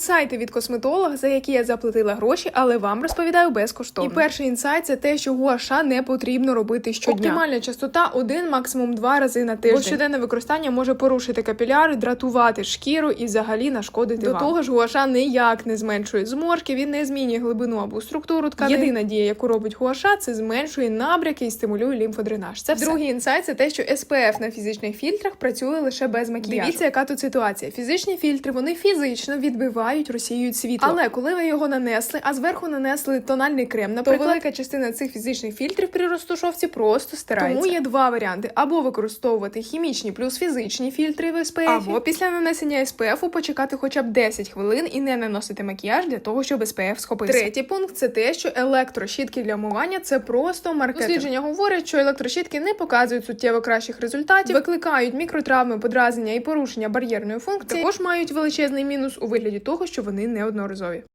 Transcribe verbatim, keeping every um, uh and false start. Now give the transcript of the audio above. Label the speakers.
Speaker 1: Інсайти від косметолога, за які я заплатила гроші, але вам розповідаю безкоштовно. І перший інсайт – це те, що гуаша не потрібно робити щодня. Оптимальна частота – один, максимум два рази на тиждень. Бо щоденне використання може порушити капіляри, дратувати шкіру і взагалі нашкодити
Speaker 2: До
Speaker 1: вам.
Speaker 2: того
Speaker 1: До того ж, гуаша ніяк не зменшує зморшки, він не змінює глибину або структуру тканин. Єдина дія, яку робить гуаша, це зменшує набряки і стимулює лімфодренаж. Це все. Другий інсайт – це те, що ес пе еф на фізичних фільтрах працює лише без макіяжу. Дивіться, яка тут ситуація. Фізичні фільтри, вони фізично відбивають, розсіюють світло. Але коли ви його нанесли, а зверху нанесли тональний крем, наприклад, то велика частина цих фізичних фільтрів при розтушовці просто стирається. Тому є два варіанти. Або використовувати хімічні плюс фізичні фільтри в ес пе ефі, або після нанесення ес пе ефу почекати хоча б десять хвилин і не наносити макіяж для того, щоб ес пе еф схопився. Третій пункт – це те, що електрощітки для вмивання – це просто маркетинг. Дослідження говорять, що електрощітки не показують суттєво кращих результатів, викликають мікротравми, подразнення і порушення бар'єрної функції, також мають величезний мінус у вигляді того, що вони неодноразові.